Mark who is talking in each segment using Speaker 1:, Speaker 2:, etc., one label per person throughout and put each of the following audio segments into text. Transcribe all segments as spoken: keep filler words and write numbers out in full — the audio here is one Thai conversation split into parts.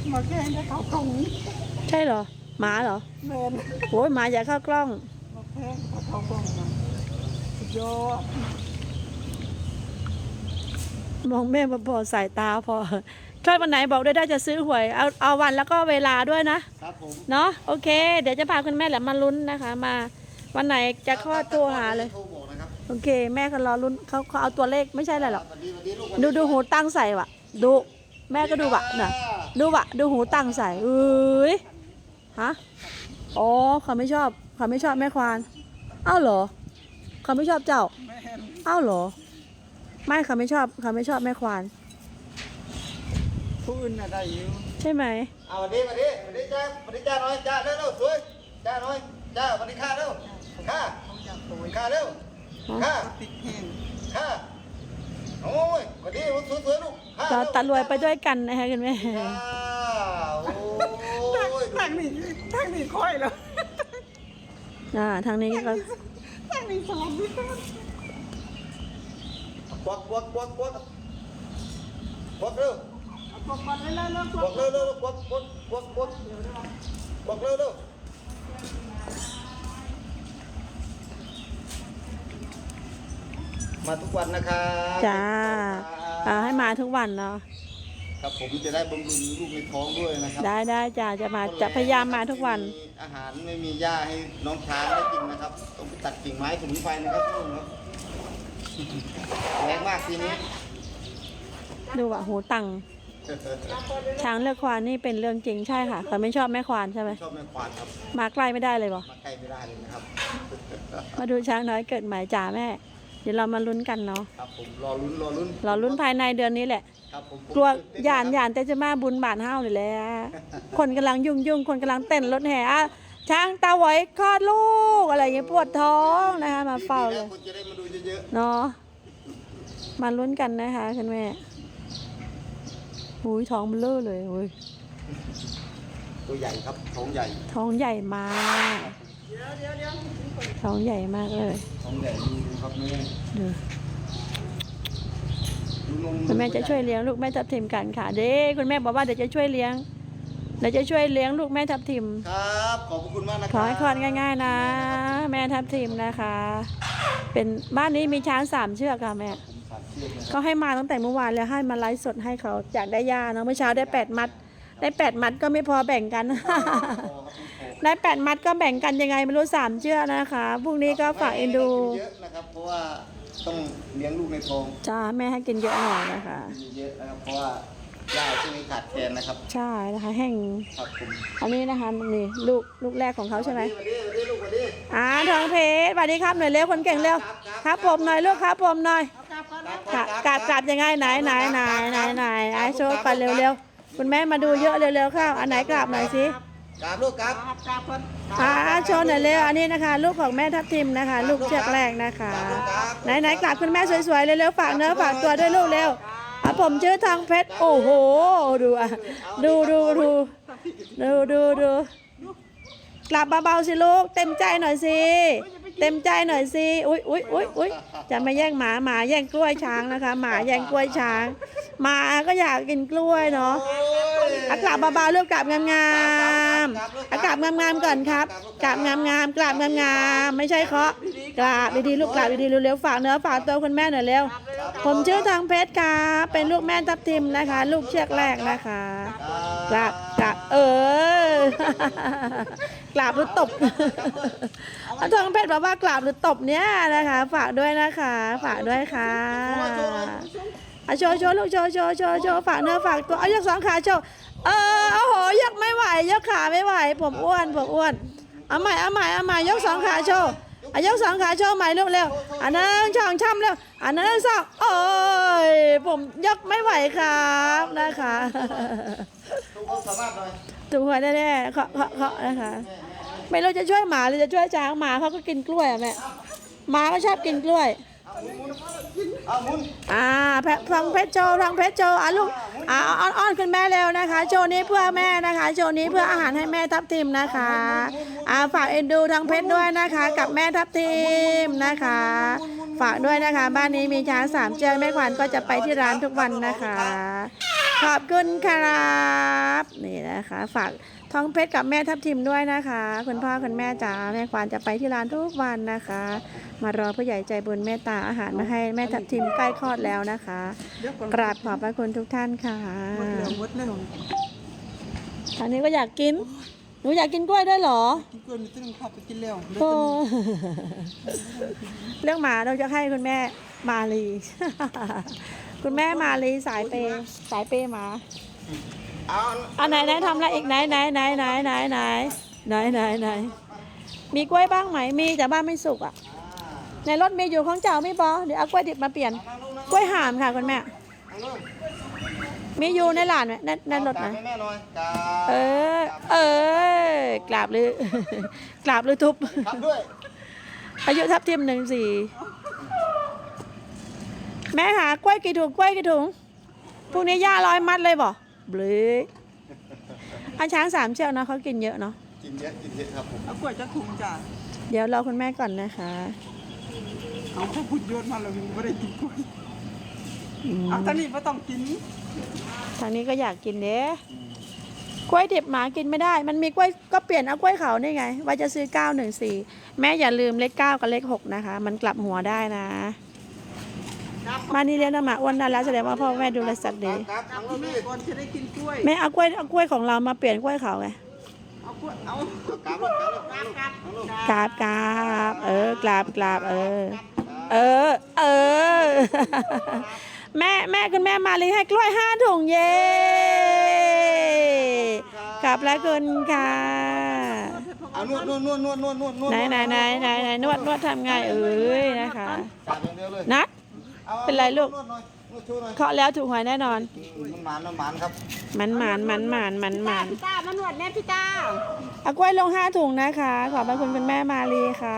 Speaker 1: มาแข่งจะเข้ากล้องนี้
Speaker 2: ใช่เหรอหมาเหรอ
Speaker 1: แมน
Speaker 2: โอ้ยหมาอยากเข้ากล้อง
Speaker 1: มาแข่งจะเข้ากล้องนะสุดยอด
Speaker 2: มองแม่มาพอสายตาพอถ้าวันไหนบอกได้ได้จะซื้อหวยเอาเอาวันแล้วก็เวลาด้วยนะครับผมเนาะโอเคเดี๋ยวจะพาคุณแม่แหละมาลุ้นนะคะ มาวันไหนจะคลอดโทรหาเลยโอเคแม่ก็รอลุ้นเขาเขาเอาตัวเลขไม่ใช่อะไรหรอกดูดูหูตั้งใส่วะดูแม่ก็ดูวะน่ะดูวะดูหูตั้งใส่เอ้ยฮะอ๋อเขาไม่ชอบเขาไม่ชอบแม่ควานอ้าวเหรอเขาไม่ชอบเจ้าอ้าวเหรอไม่เขาไม่ชอบเขาไม่ชอบแม่ควาน
Speaker 1: ผู้อื่นอะไรอยู่
Speaker 2: ใช่ไหม
Speaker 3: เอาวันนี้วันนี้วันนี้จ้าวันนี้จ้าหน่อยจ้าเร็วเร็วสวยจ้าหน่อยจ้าวันนี้ข้าเร็วข้าข้าเร็วข้า
Speaker 1: ติดแห้ง
Speaker 3: ข้าโอ้ยวันนี้สวยสวยลูก
Speaker 2: เราตะรวยไปด้วยกันนะคะคุณแม่
Speaker 3: โอ้ย
Speaker 1: ทางนี้ทางนี้ค่อยแล้ว
Speaker 2: อ่าทางนี้ก็
Speaker 1: ทางนี้สองนี่
Speaker 3: กวักกวักกวักกวักกวักเร็ว
Speaker 1: กวักมาเร็วเร็ว
Speaker 3: กวักเร็วเร็วกวักกวักกวักกวักกวักเร็วเร็วมาทุกวันนะครับ
Speaker 2: จ้าอ่าให้มาทุกวันเนาะ
Speaker 3: ครับผมจะได้บำรุงลูกในท้องด้วยนะครับ
Speaker 2: ได้ได้จ้าจะมาจะพยายามมาทุกวัน
Speaker 3: อาหารไม่มีหญ้าให้น้องช้างได้กินนะครับต้องไปตัดกิ่งไม้สมุนไพรนะครับนู่นครับแรงมากทีนี้
Speaker 2: ดูว่าหูตังช้างเลือกควานนี่เป็นเรื่องจริงใช่ค่ะเขาไม่ชอบแม่ควานใช่ไหม
Speaker 3: ชอบแม่ควานครับ
Speaker 2: มาใกล้ไม่ได้เลยบ่
Speaker 3: มาใกล้ไม่ได้เลยนะครับ
Speaker 2: มาดูช้างน้อยเกิดใหม่จ่าแม่เดี๋ยวเรามาลุ้นกันเนาะ
Speaker 3: ครับผมรอลุ้นรอลุ้น
Speaker 2: รอลุ้นภายในเดือนนี้แหละ
Speaker 3: ครับผม
Speaker 2: กลัวหยานหยานแต่จะมาบุญบาทห้าวเลยแหละคนกำลังยุ่งยุ่งคนกำลังเต้นรถแห่ช้างตาไหวคลอดลูกอะไรอย่างเงี้ยปวดท้องนะคะมาเฝ้าเลย
Speaker 3: คนจะได้มาดูเยอะ
Speaker 2: ๆเนาะมาลุ้นกันนะคะคุณแม่หูยท้องมันเล่อเลยโอ้ย
Speaker 3: ตัวใหญ่ครับท้องใหญ่
Speaker 2: ท้องใหญ่มากท้องใหญ่มากเลย
Speaker 3: ท้องใหญ่ดูครับแม่
Speaker 2: ดูคุณแม่จะช่วยเลี้ยงลูกแม่ทับทิมกันค่ะเด้คุณแม่บอกว่าเดี๋ยวจะช่วยเลี้ยงเดี๋ยวจะช่วยเลี้ยงลูกแม่ทับทิม
Speaker 3: ครับขอบคุณมากนะครับ
Speaker 2: ขอให้คลอดง่ายๆนะแม่ทับทิมนะคะเป็นบ้านนี้มีช้างสามเชือกค่ะแม่ก็ให้มาตั้งแต่เมื่อวานแล้วให้มาไลฟ์สดให้เขาอยากได้ยาเนาะเมื่อเช้าได้แปดมัดได้แปดมัดก็ไม่พอแบ่งกันได้แปดมัดก็แบ่งกันยังไงไม่รู้สามเชือกนะคะพรุ่งนี้ก็ฝากเอ็นดู
Speaker 3: เยอะนะครับเพราะว่าต้องเลี้ยงลูกในท้อง
Speaker 2: จ้าแม่ให้กินเยอะหน่อยนะคะ
Speaker 3: เยอะนะครับเพราะว่าหญ้าช่วงนี้ขาดแคลนนะครับ
Speaker 2: ใช่นะคะแห้ง
Speaker 3: ครับผม
Speaker 2: อันนี้นะคะนี่ลูกลูกแรกของเขาใช่ไหม
Speaker 3: วันนี้วันนี้ลูกวันนี้
Speaker 2: อ่าทองเพชรสวัสดีครับหน่อยเร็วคนเก่งเร็วครับผมหน่อยลูกครับผมหน่อยกราบกราบกราบยังไงไหนไหนไหนไหนไหนไอโชว์ไปเร็วๆคุณแม่มาดูเยอะเร็วๆเข้าอันไหนกราบหน่อยสิ
Speaker 3: กราบลูกกราบ
Speaker 2: อ่าโชว์หน่อยเร็วอันนี้นะคะลูกของแม่ทับทิมนะคะลูกเชือกแรกนะคะไหนไหนกราบคุณแม่สวยๆเร็วๆฝากเนื้อฝากตัวด้วยลูกเร็วอ่ะผมชื่อทองเพชรโอ้โหดูอ่ะดูดูดูดูดูดูกลับเบาๆสิลูกเต็มใจหน่อยสิเต็มใจหน่อยสิอุ้ยอุ้ยอุ้ยอุ้ยจะมาแย่งหมาหมาแย่งกล้วยช้างนะคะหมาแย่งกล้วยช้างหมาก็อยากกินกล้วยเนาะอ่ะกลับเบาๆลูกกลับงามๆอ่ะกลับงามๆก่อนครับกลับงามๆกลับงามๆไม่ใช่เคาะกลับดีๆลูกกลับดีๆเร็วๆฝากเนื้อฝากตัวคุณแม่หน่อยเร็วผมชื่อทองเพชรค่ะเป็นลูกแม่ทับทิมนะคะลูกเชือกแรกนะคะกลับกลับเออกราบหรือตบทองเพชรบอกว่ากราบหรือตบเนี้ยนะคะฝากด้วยนะคะฝากด้วยค่ะโชว์โชว์ลูกโชว์โชว์โชว์โชว์ฝากเนื้อฝากตัวเอายกสองขาโชว์เออโอ้โหยกไม่ไหวยกขาไม่ไหวผมอ้วนผมอ้วนเอาใหม่เอาใหม่เอาใหม่ยกสองขาโชว์อายกสองขาโชว์ใหม่ลูกเร็วอันนั้นช่องช่ำเร็วอันนั้นสองโอ้ยผมยกไม่ไหวครับนะคะถูกหัวแน่ๆเคาะเคาะเคาะนะคะไม่รู้จะช่วยหมาหรือจะช่วยช้างหมาเขาก็กินกล้วยอ่ะแม่หมาก็ชอบกินกล้วยอ่าแพะทองเพชรโชว์ทองเพชรโชว์อ่ะลูกอ่าอ้อนอ้อนขึ้นแม่เร็วนะคะโชว์นี้เพื่อแม่นะคะโชว์นี้เพื่ออาหารให้แม่ทับทิมนะคะอ่าฝากเอ็นดูทองเพชรด้วยนะคะกับแม่ทับทิมนะคะฝากด้วยนะคะบ้านนี้มีช้างสามเชือกแม่ขวัญก็จะไปที่ร้านทุกวันนะคะขอบคุณครับนี่นะคะฝากทองเพชรกับแม่ทับทิมด้วยนะคะคุณพ่อคุณแม่จ๋าแม่ควานจะไปที่ร้านทุกวันนะคะ มารอผู้ใหญ่ใจบุญเมตตาอาหารมาให้แม่ทับทิมใกล้คลอดแล้วนะคะ กราบขอบพระคุณทุกท่านค่ะ
Speaker 1: หมดแล้วหมดแล้ว
Speaker 2: ทางนี้ก็อยากกินหนูอยากกินกล้วยด้วยเหรอ
Speaker 1: กินกล้วยมีตึ้งขับไปกินแล้ว
Speaker 2: โอ้เรื่องหมาเราจะให้คุณแม่มาลี คุณแม่มาลีสายเปย์สายเปย์หมา
Speaker 3: เอา
Speaker 2: เอาไหนไหนทำอะไรอีกไหนไหนไหนไหนไหนไหนไหนไหนไหนมีกล้วยบ้างไหมมีแต่บ้านไม่สุกอ่ะในรถมีอยู่ของเจ้าไม่บอเดี๋ยวเอากล้วยดิบมาเปลี่ยนกล้วยหามค่ะคุณแม่
Speaker 3: เอาลูก
Speaker 2: มีอยู่ในหลานไหมในในรถไหม
Speaker 3: เอากราบให้แม่หน่อยกราบ
Speaker 2: เออเออกราบหรือ กราบหรือทุบ
Speaker 3: ครับด้วย
Speaker 2: อายุทับทิมหนึ่งสี่แม่หากล้วยกี่ถุงกล้วยกี่ถุงพรุ่งนี้ย่าร้อยมัดเลยบ่บลืออันช้างสามเชือกเนาะเขากินเยอะเนาะ
Speaker 3: กินเยอะกินเยอะครับผม
Speaker 1: เอากล้วยจะถุงจ้ะ
Speaker 2: เดี๋ยวรอคุณแม่ก่อนนะคะ
Speaker 1: เอาข้าวพุดโยนมาแล้วมึงไม่ได้กินกล้วย
Speaker 2: อืม
Speaker 1: เอาตอนนี้ไม่ต้องกิน
Speaker 2: ทางนี้ก็อยากกินเด้กล้วยดิบหมากินไม่ได้ มันมีกล้วยก็เปลี่ยนเอากล้วยเขานี่ไง ว่าจะซื้อเก้าหนึ่งสี่แม่อย่าลืมเลขเก้ากับเลขหกนะคะ มันกลับหัวได้นะ มานี่เลี้ยงน้ำหมาอ้วนได้แล้วแสดงว่าพ่อแม่ดูแลสัตว์ดี
Speaker 3: ครับทั้งลูก
Speaker 1: แม่
Speaker 3: นี่
Speaker 1: ก่อนจะได้กินกล้วย
Speaker 2: แม่เอากล้วยเอากล้วยของเรามาเปลี่ยนกล้วยเขาไง
Speaker 1: เอากล้วยเอา
Speaker 3: กราบลูกกราบลูกกราบลูก
Speaker 2: กราบกราบเออกราบกราบเออ เออ เออ แม่แม่คุณแม่มาลีให้กล้วยห้าถุงเย้ขอบพระคุณค่ะ
Speaker 3: เอานวดนวดนวดนวดนวดนวดนวด
Speaker 2: ไหนไหนไหนไหนไหนนวดนวดทำไงเอ้ยนะคะ
Speaker 3: กราบอย่างเดียวเลย
Speaker 2: นัด
Speaker 3: อา
Speaker 2: เป็นไรลูก
Speaker 3: นวดหน่อยนวดชูหน่อย
Speaker 2: เคาะแล้วถูกหวยแน่นอน
Speaker 3: มันหมานมันหมานครับ
Speaker 2: มันหมานมันหมานมันหมาน
Speaker 1: พี่ตามานวดแน่พี่ตา
Speaker 2: เอากล้วยลงห้าถุงนะคะ ขอบพระคุณคุณแม่มาลีค่ะ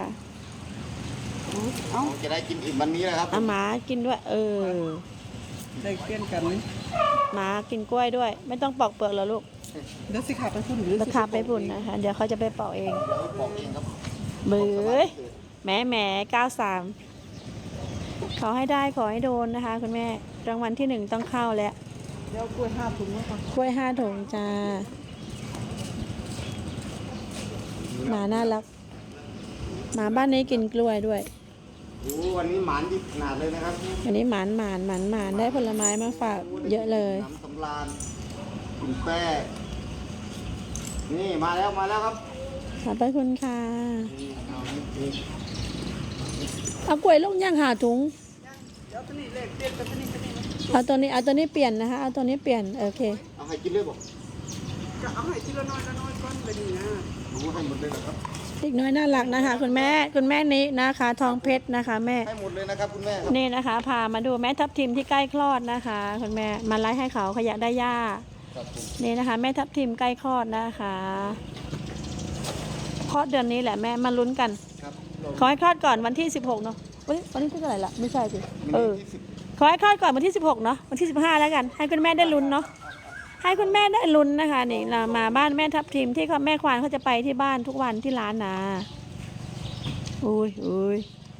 Speaker 1: เอา
Speaker 3: จะได้กินอิ่มวันนี้นะครับ
Speaker 2: เอาหมากินด้วย เออ
Speaker 1: ได้เปลี่ยนกันนี่
Speaker 2: หมากินกล้วยด้วย ไม่ต้องปอกเปลือกหรอลูก
Speaker 1: เดี๋ยวสิขาไปพุ่นหรือ
Speaker 2: ราคาไปปุ่นนะคะ เดี๋ยวเขาจะไปปอกเอง
Speaker 3: เดี๋ยวบอกเองครับ
Speaker 2: เบื้อแหม่แหม่เก้าสามขอให้ได้ขอให้โดนนะคะ คุณแม่รางวัลที่หนึ่งต้องเข้าแล้ว
Speaker 1: เดี๋ยวกล้วยห้าถุงมาก่อน
Speaker 2: กล้วยห้าถุงจ้าหมาน่ารักหมาบ้านนี้กินกล้วยด้วย
Speaker 3: โอ้วันนี้หมานดิบขนาดเลยนะครับ
Speaker 2: อันนี้หมานหมานหมานหมานได้ผลไม้มาฝากเยอะเลย
Speaker 3: น้ำสำราญกินแป้นี่มาแล้วมาแล้วครับ
Speaker 2: ขอบพระคุณค่ะ
Speaker 3: นี่เอานี่
Speaker 2: เอากล้วยลงย่างหาถุง
Speaker 1: เดี๋ยวตัวนี้เลขเปลี่ยนกับตัวนี้ตัวนี้
Speaker 2: เอาตัวนี้เอาตัวนี้เปลี่ยนนะคะ เอาตัวนี้เปลี่ยนโอเค
Speaker 3: เอาให้กินเลยบอก
Speaker 1: จะเอาให้ทีละน้อยละน้อยก่อนไปดีนะ
Speaker 3: รู้ให้หมดเลยเหรอครับ
Speaker 2: เด็กน้อยน่ารักนะคะ คุณแม่คุณแม่นี้นะคะ ทองเพชรนะคะ แม่
Speaker 3: ให้หมดเลยนะครับคุณแม่ครับ
Speaker 2: นี่นะคะ พามาดูแม่ทับทิมที่ใกล้คลอดนะคะ คุณแม่มาไล่ให้เขาขยะได้ย่า
Speaker 3: ครับผม
Speaker 2: นี่นะคะ แม่ทับทิมใกล้คลอดนะคะคลอดเดือนนี้แหละแม่มาลุ้นกัน
Speaker 3: ครับ
Speaker 2: ขอให้คลอดก่อนวันที่สิบหกเนาะเฮ้ยวันที่เท่าไหร่ละไม่ใช่สิเออ
Speaker 3: ที่สิบ
Speaker 2: ขอให้คลอดก่อนวันที่สิบหกเนาะวันที่สิบห้าแล้วกัน ให้คุณแม่ได้ลุ้นเนาะให้คุณแม่ได้ลุ้นนะคะนี่เรามาบ้านแม่ทับทิมที่เขาแม่ควานเขาจะไปที่บ้านทุกวันที่ร้านนะอุ้ยอุ้ย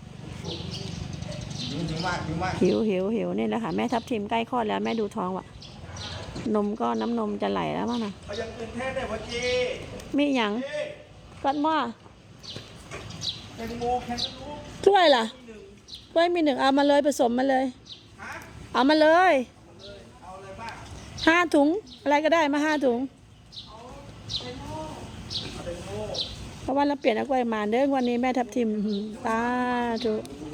Speaker 3: หิวหิวมากหิวมาก
Speaker 2: หิวหิวหิวนี่แหละค่ะแม่ทับทิมใกล้คลอดแล้วแม่ดูท้องว่ะนมก็น้ำนมจะไหลแล้วมั้งนะ
Speaker 3: เอายังตื่นเต้นได้พอจี
Speaker 2: มีหยังกัดหม้อ
Speaker 3: แตงโมแคนตาลูป
Speaker 2: ถ้วยล่ะถ้วยมีหนึ่งเอามาเลยผสมมาเลย
Speaker 3: ฮะ
Speaker 2: เอามาเลย
Speaker 3: เอาอะไรบ้าง
Speaker 2: ห้าถุงอะไรก็ได้มาห้าถุงเพราะว่าเราเปลี่ยนเอากล้วยมาเด้อวันนี้แม่ทับทิมตาจุ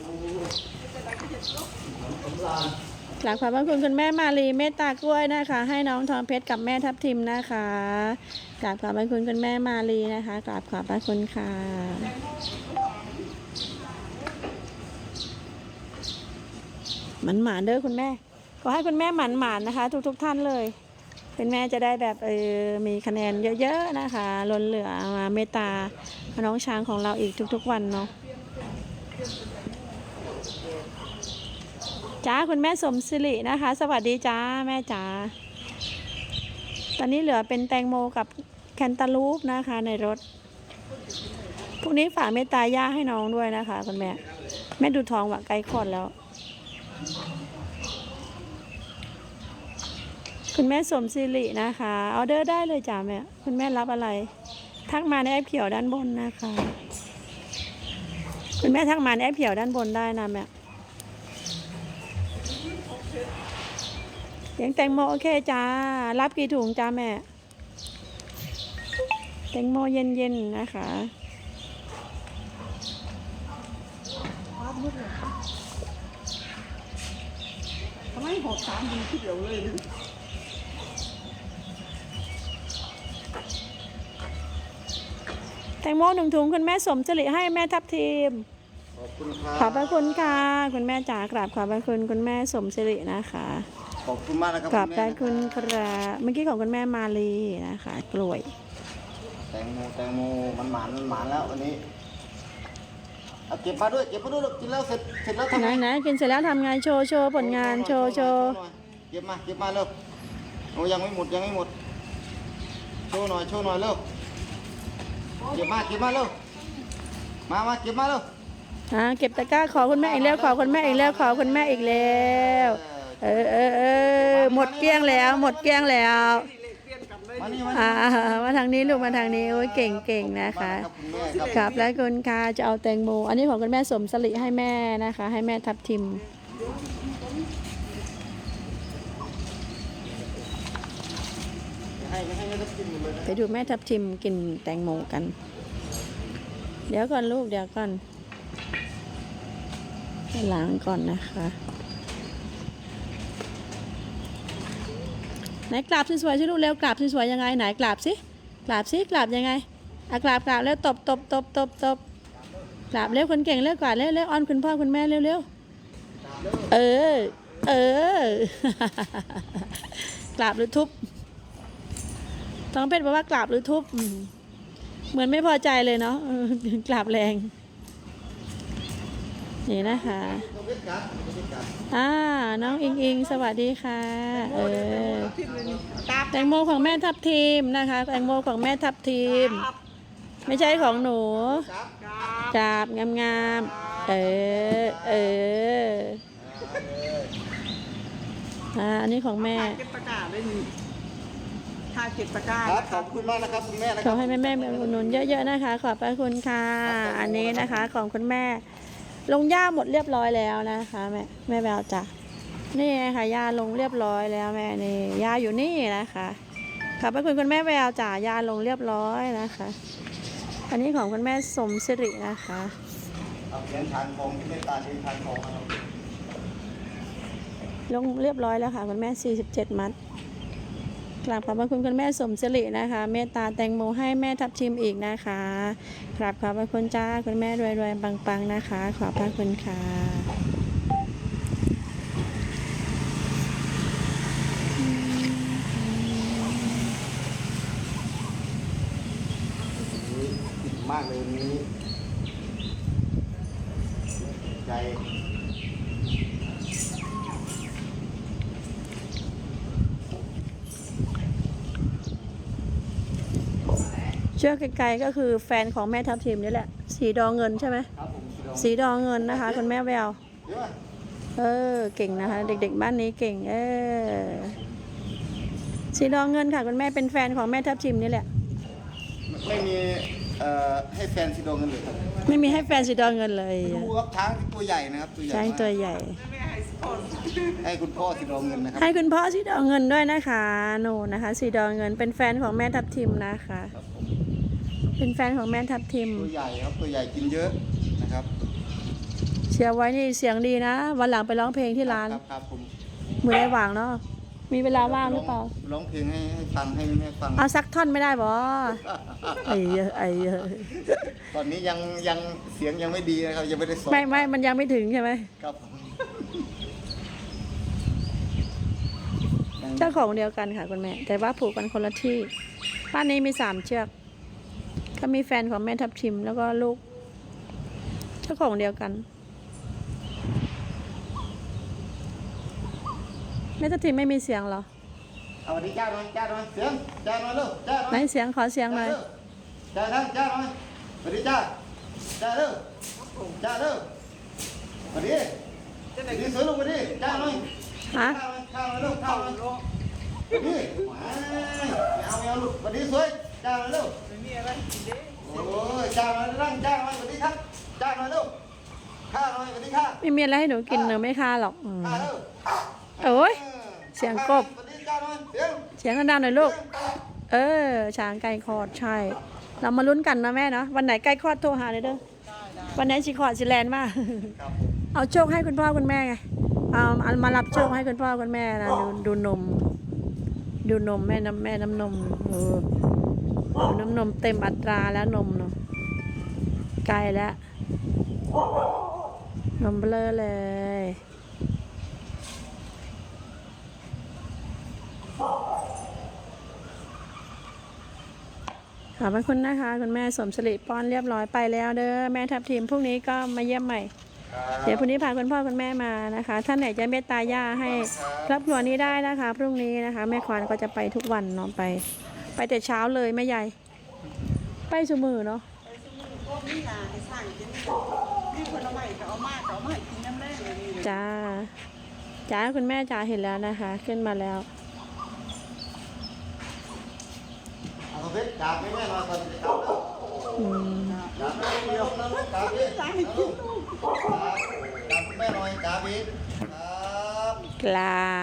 Speaker 2: หลังขอบพระคุณคุณแม่มาลีเมตตากล้วยนะคะ ให้น้องทองเพชรกับแม่ทับทิมนะคะกราบขอบพระคุณคุณแม่มาลีนะคะกราบขอบพระคุณค่ะหมันหมานเด้อคุณแม่ขอให้คุณแม่หมันหมานนะคะ ทุกทุกท่านเลยเป็นแม่จะได้แบบเออมีคะแนนเยอะๆนะคะล้นเหลือมาเมตตาน้องช้างของเราอีกทุกๆวันเนาะจ้าคุณแม่สมศิรินะคะ สวัสดีจ้าแม่จ๋าตอนนี้เหลือเป็นแตงโมกับแคนตาลูปนะคะในรถพวกนี้ฝากเมตตาย่าให้น้องด้วยนะคะคุณแม่แม่ดูท้องว่าใกล้คลอดแล้วคุณแม่สมศิรินะคะออเดอร์ได้เลยจ้าแม่คุณแม่รับอะไร ทักมาในแอปเขียวด้านบนนะคะ คุณแม่ทักมาในแอปเขียวด้านบนได้นะแม่เลี้ยงแตงโมโอเคจ้ารับกี่ถุงจ้าแม่แตงโมเย็นๆนะคะ
Speaker 1: ว้าวมืดเลยทำไมหอบสามดีที่เดียวเลยนะ
Speaker 2: แตงโมหนึ่งถุงคุณแม่สมจริให้แม่ทับทีม
Speaker 3: ขอบคุณครับ
Speaker 2: ขอบพระคุณค่ะคุณแม่จ๋ากราบขอบพระคุณคุณแม่สมศิรินะคะ
Speaker 3: ขอบคุณมากนะครับ
Speaker 2: กราบขอบ
Speaker 3: แม่
Speaker 2: คุณครับเมื่อกี้ของคุณแม่มาลีนะคะ กล้วย
Speaker 3: แตงโมแตงโมมันหมานมันหมานแล้ววันนี้เอาเก็บมาด้วยเก็บมาด้วยลูกกินแล้วเสร็จเสร็จแล้วทำ
Speaker 2: ไหน
Speaker 3: ไง
Speaker 2: ไหนกินเสร็จแล้วทำไงโชว์โชว์ผลงานโชว์โชว์
Speaker 3: เก็บมาเก็บมาเร็วโอ้ยังไม่หมดยังไม่หมดโชว์หน่อยโชว์หน่อยเร็วเก็บมาเก็บมาเร็วมามาเก็บมาเร็ว
Speaker 2: อ่าเก็บตะกร้าขอคุณแม่อีกแล้วขอคุณแม่อีกแล้วขอคุณแม่อีกแล้วเออเออเออหมดเกลี้ยงแล้วหมดเกลี้ยงแล้ว
Speaker 3: มานี่มา
Speaker 2: อ่ามาทางนี้ลูกมาทางนี้โอ้ยเก่งเก่งนะคะ
Speaker 3: ครับคุณแม่ครับ
Speaker 2: ครับแล้วคุณค่ะจะเอาแตงโมอันนี้ของคุณแม่สมสลิให้แม่นะคะ ให้แม่ทับทิม
Speaker 3: ให้ให้ให้ทับทิมหมดเลยนะ
Speaker 2: ไปดูแม่ทับทิมกินแตงโมกัน เดี๋ยวก่อนลูกเดี๋ยวก่อนให้ล้างก่อนนะคะไหนกราบสวยๆสิลูกเร็วกราบสวยๆยังไงไหนกราบสิกราบสิกราบยังไงอ่ะกราบกราบแล้วตบตบตบตบตบกราบเร็วคนเก่งเร็วกว่าเร็วเร็วอ้อนคุณพ่อคุณแม่เร็วเร็วเออเออ กราบหรือทุบต้องเพชรบอกว่ากราบหรือทุบอืมเหมือนไม่พอใจเลยเนาะเออกราบแรงนี่นะคะอ่าน้องอิงอิงสวัสดีค่ะเออแตงโมของแม่ทับทีมนะคะแตงโมของแม่ทับทีม ไม่ใช่ของหนูจับงามๆเออเอออ่าอันนี้ของแม่
Speaker 1: เก็บตะกร้าได้มีถ้าเก็บตะกร้า
Speaker 3: ครับขอบคุณมากนะครับคุณแม่นะ
Speaker 2: ข
Speaker 3: ค
Speaker 2: อ
Speaker 3: รับ
Speaker 2: ให้แม่แม่ๆอุดหนุนเยอะๆนะคะ ขอบพระคุณค่ะ อันนี้นะคะของคุณแม่ ลงย่าหมดเรียบร้อยแล้วนะคะแม่แม่แววจ้ะนี่ค่ะย่าลงเรียบร้อยแล้วแม่นี่ย่าอยู่นี่นะคะขอบพระคุณคุณแม่แววจ้ะย่าลงเรียบร้อยนะคะ อันนี้ของคุณแม่สมศิรินะคะ
Speaker 3: เอาเหรียญทานทองที่เมตตาเหรียญทานทองนะครับ
Speaker 2: ลงเรียบร้อยแล้วค่ะคุณแม่สี่สิบเจ็ดมัดกราบขอบพระคุณคุณแม่สมศิรินะคะ เมตตาแตงโมให้แม่ทับทิมอีกนะคะกราบขอบพระคุณจ้าคุณแม่รวยๆปังๆนะคะ ขอบพระคุณค่ะ
Speaker 3: ติดมากเลยวันนี้ใจ
Speaker 2: เชือกไกลๆก็คือแฟนของแม่ทับทิมนี่แหละ สีดอเงินใช่ไหม
Speaker 3: ครับผม
Speaker 2: สีดอเงินนะคะคุณแม่แวว
Speaker 3: เดี๋ยวมา
Speaker 2: เออเก่งนะคะ เด็กๆบ้านนี้เก่ง เออสีดอเงินค่ะคุณแม่เป็นแฟนของแม่ทับทิมนี่แหละ
Speaker 3: ไม่มีเอ่อให้แฟนสีดองกันเลยครับ
Speaker 2: ไม่มีให้แฟนสีดอเงินเลย
Speaker 3: ดูครับช้างตัวใหญ่นะครับตัวใหญ่
Speaker 2: ช้าง
Speaker 3: มาก
Speaker 2: ตัวใหญ่
Speaker 3: ให้คุณพ่อสีดองเงินนะครับ
Speaker 2: ให้คุณพ่อสีดอเงินด้วยนะคะโน่นนะคะสีดอเงินเป็นแฟนของแม่ทับทิมนะคะ
Speaker 3: ครับผม
Speaker 2: เป็นแฟนของแม่ทับทิม
Speaker 3: ตัวใหญ่ครับตัวใหญ่กินเยอะนะครับ
Speaker 2: เชียร์ไว้นี่เสียงดีนะ วันหลังไปร้องเพลงที่ร้าน
Speaker 3: ครับครับผม
Speaker 2: มือได้ว่างเนาะมีเวลาว่างหรือเปล่า
Speaker 3: ร้องเพลงให้ให้ฟังให้แม่ฟัง
Speaker 2: เอาสักท่อนไม่ได้บอไอ้เยอะไอ้เยอะ
Speaker 3: ตอนนี้ยังยังเสียงยังไม่ดีนะครับยังไม่ได้ซ้อม
Speaker 2: ไม่ไม่มันยังไม่ถึงใช่ไหม
Speaker 3: ครับผม
Speaker 2: เจ้าของเดียวกันค่ะคุณแม่ แต่ว่าผูกกันคนละที่บ้านนี้มีสามเชือกก็มีแฟนของแม่ทับทิมแล้วก็ลูก เจ้าของเดียวกันแม่ทับทิมไม่มีเสียงเหรอ
Speaker 3: เอาสวัสดีจ้าหน่อยจ้าหน่อยเสียงจ้าหน่อยเร็วจ้าหน่อย
Speaker 2: ไหนเสียงขอเสียงหน่อย
Speaker 3: จ้าท่านจ้าหน่อยสวัสดีจ้าจ้าเร็วจ้าเร็วสวัสดีสวัสดีสวยลูกสวัสดีจ้าหน่อย
Speaker 2: ฮะ
Speaker 3: ข้าวข้าวเร็วข้าวนี่มาเอาเอาลูกวันนี้สวยจ้างมาลูก
Speaker 1: ไม่มีอะไรกินเด้
Speaker 3: โอ้ยจ้างมานั่งจ้างมาวันนี้ครับจ้างมาลูกข้าหน่อยวันนี้ข้า
Speaker 2: ไม่มีอะไรให้หนูกินหนูไม่ค่าหรอกอืม
Speaker 3: ข้าลูก
Speaker 2: โอ้ยเสียงกบ
Speaker 3: วันนี้จ้างหน่อยเสียง
Speaker 2: เสียงดังๆหน่อยลูก เออ ช้างไก่คลอดใช่ เรามาลุ้นกันนะแม่เนาะ วันไหนไก่คลอดโทรหาเลยเด้อ วันไหนสิคลอดสิแลนด์มา
Speaker 3: ครับ
Speaker 2: เอาโชคให้คุณพ่อคุณแม่ไง เอาเอามารับโชคให้คุณพ่อคุณแม่นะดูดูนม ดูนมแม่น้ำแม่น้ำนมเออดูน้ำนมเต็มอัตราแล้วนมเนาะไกลแล้ว นมเบลอเลย ขอบพระคุณนะคะคุณแม่สมศริป้อนเรียบร้อยไปแล้วเด้อแม่ทับทีมพรุ่งนี้ก็มาเยี่ยมใหม่ เดี๋ยวพรุ่งนี้พาคุณพ่อคุณแม่มานะคะท่านไหนจะเมตตาย่าให้ครอบครัวนี้ได้นะคะพรุ่งนี้นะคะแม่ควานก็จะไปทุกวันเนาะไป ไปแต่เช้าเลยแม่ใหญ่ ไปสมือเนาะ
Speaker 1: ไปซื้อพวกนี้นะให้สั่งกินนี่ผลไม้ก็เอามากก็เอามาให้กินน้ำแรงเลยนี่
Speaker 2: จ้าจ้าคุณแม่จ้าเห็นแล้วนะคะ ขึ้นมาแล้ว
Speaker 3: เอาเพชรจับไม่แม่มาตอนจะกลับแล้ว
Speaker 2: อืม
Speaker 3: จับไม่เดียวนะลูกจับดิจับจับแม่หน่อยจับอีกครับ
Speaker 2: ครับ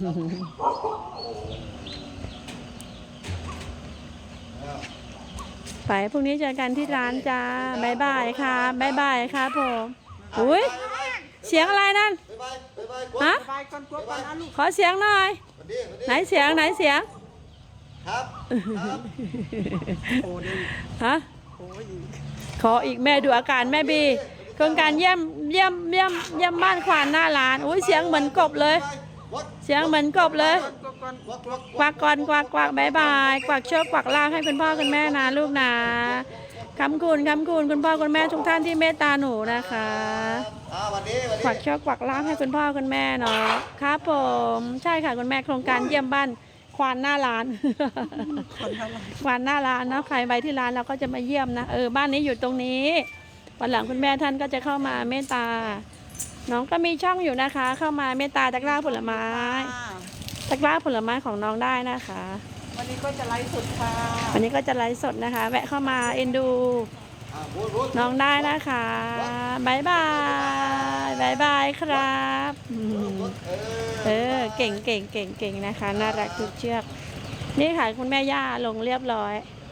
Speaker 2: ไปพรุ่งนี้เจอกันที่ร้านจ้าบายบายค่ะบายบายครับผมอุ้ยเสียงอะไรนั่น
Speaker 3: บ๊ายบายบ๊ายบายกด
Speaker 2: ฮะ
Speaker 1: ไปก่อนกลัวก่อนนะลูก
Speaker 2: ขอเสียงหน่อย
Speaker 3: สวัสดีสวัสดี
Speaker 2: ไหนเสียงไหนเสียง
Speaker 3: ครับครับ
Speaker 1: โอ้ดิ
Speaker 2: ฮะ
Speaker 1: โอ้ย
Speaker 2: ขออีกแม่ดูอาการแม่บีโครงการเยี่ยมเยี่ยมเยี่ยมเยี่ยมบ้านควานหน้าร้านอุ้ยเสียงเหมือนกบเลย
Speaker 3: วัด
Speaker 2: เสียงเหมือนกบเลย
Speaker 1: กลัวก่อน
Speaker 3: วัดวัด
Speaker 2: กวักก่อนกวักกวักบายบายกวักโชคกวักลาภให้คุณพ่อคุณแม่นะลูกนะคำคุณคำคุณคุณพ่อคุณแม่ทุกท่านที่เมตตาหนูนะคะ
Speaker 3: อ่าวันนี้วัน
Speaker 2: กวั
Speaker 3: นี้
Speaker 2: กโชคกวักลาภให้คุณพ่อคุณแม่เนาะครับผมใช่ค่ะคุณแม่โครงการเยี่ยมบ้านควานหน้าร้าน
Speaker 1: คนเท่าไหร่
Speaker 2: ควานหน้าร้านเนาะใครไปที่ร้านเราก็จะมาเยี่ยมนะเออบ้านนี้อยู่ตรงนี้วันหลังคุณแม่ท่านก็จะเข้ามาเมตตา น้องก็มีช่องอยู่นะคะ เข้ามาเมตตาตะกร้าผลไม้ ตะกร้าผลไม้ของน้องได้นะคะ
Speaker 1: วันนี้ก็จะไลฟ์สดค่ะ
Speaker 2: วันนี้ก็จะไลฟ์สดนะคะ แวะเข้ามาเอ็นดู
Speaker 3: อ่าบูดบูด
Speaker 2: น้องได้นะคะบายบายบายบายครับอืม
Speaker 3: เอ
Speaker 2: เอ
Speaker 3: อ
Speaker 2: อเก่งเก่งเก่งเก่งนะคะ น่ารักทุกเชือก นี่ค่ะคุณแม่ย่าลงเรียบร้อย
Speaker 3: ค